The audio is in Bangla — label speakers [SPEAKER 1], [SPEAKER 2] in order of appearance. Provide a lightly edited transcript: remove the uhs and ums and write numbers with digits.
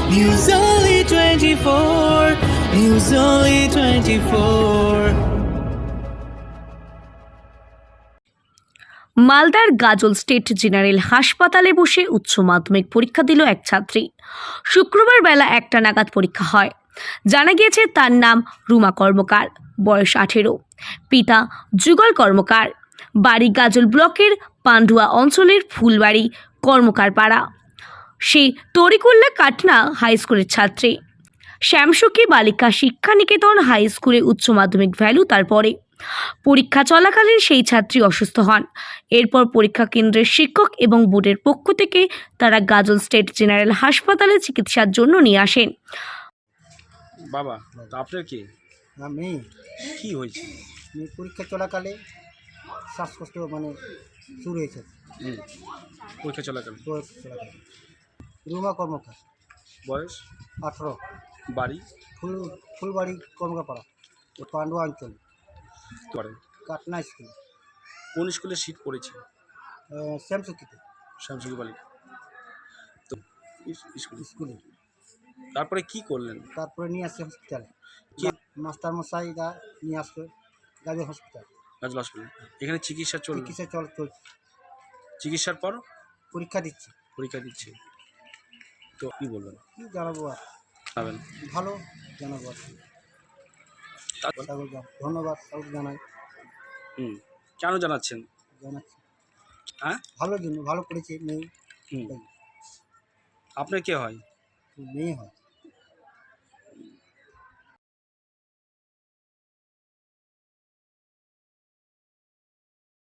[SPEAKER 1] News Only 24. News Only 24.
[SPEAKER 2] মালদার গাজল স্টেট জেনারেল হাসপাতালে বসে উচ্চ মাধ্যমিক পরীক্ষা দিল এক ছাত্রী। শুক্রবার বেলা 1টা নাগাদ পরীক্ষা হয়। জানা গিয়েছে তার নাম রুমা কর্মকার, বয়স 18, পিতা যুগল কর্মকার, বাড়ি গাজল ব্লকের পান্ডুয়া অঞ্চলের ফুলবাড়ি কর্মকার পাড়া। সে তরিকুল্লা কাটনা হাই স্কুলের ছাত্রী। শ্যামসুখী বালিকা শিক্ষা নিকেতন হাই স্কুলে উচ্চ মাধ্যমিক ভ্যালু তারপরে পরীক্ষা চলাকালীন সেই ছাত্রী অসুস্থ হন। এরপর পরীক্ষা কেন্দ্রের শিক্ষক এবং বোর্ডের পক্ষ থেকে তারা গাজল স্টেট জেনারেল হাসপাতালে চিকিৎসার জন্য নিয়ে আসেন।
[SPEAKER 3] বাবা, তা আপনার কি
[SPEAKER 4] আমি
[SPEAKER 3] কি হয়েছে?
[SPEAKER 4] পরীক্ষা চলাকালে শ্বাসকষ্ট শুরু হয়েছে।
[SPEAKER 3] পরীক্ষা চলাকালীন।
[SPEAKER 4] পরীক্ষা চলাকালে রুমা কর্মকার,
[SPEAKER 3] বয়স
[SPEAKER 4] 18,
[SPEAKER 3] বাড়ি
[SPEAKER 4] ফুলবাড়ি কর্মকাপাড়া, পান্ডুয়া অঞ্চল,
[SPEAKER 3] করে
[SPEAKER 4] কাটনা স্কুল।
[SPEAKER 3] কোন স্কুলে সিট পড়েছে?
[SPEAKER 4] শ্যামসুখিতে
[SPEAKER 3] শ্যামসুখী বালিকা তো
[SPEAKER 4] স্কুলে।
[SPEAKER 3] তারপরে কি করলেন?
[SPEAKER 4] তারপরে নিয়ে আসছে হসপিটালে।
[SPEAKER 3] কি
[SPEAKER 4] মাস্টার মশাইরা নিয়ে আসলো গাজল হসপিটাল।
[SPEAKER 3] গাজল হসপিটাল। এখানে চিকিৎসা চলছে।
[SPEAKER 4] চলছে।
[SPEAKER 3] চিকিৎসার পর
[SPEAKER 4] পরীক্ষা দিচ্ছে।
[SPEAKER 3] তো কি বলবেন?
[SPEAKER 4] কি জানাবো আর,
[SPEAKER 3] জানাবেন।
[SPEAKER 4] ভালো জানাবো আর। ধন্যবাদ সবাই জানাই।
[SPEAKER 3] কেন জানাচ্ছেন?
[SPEAKER 4] জানাচ্ছি
[SPEAKER 3] হ্যাঁ,
[SPEAKER 4] ভালো জন্য, ভালো করেছে মেয়ে।
[SPEAKER 3] আপনার কে হয়?
[SPEAKER 4] মেয়ে হয়।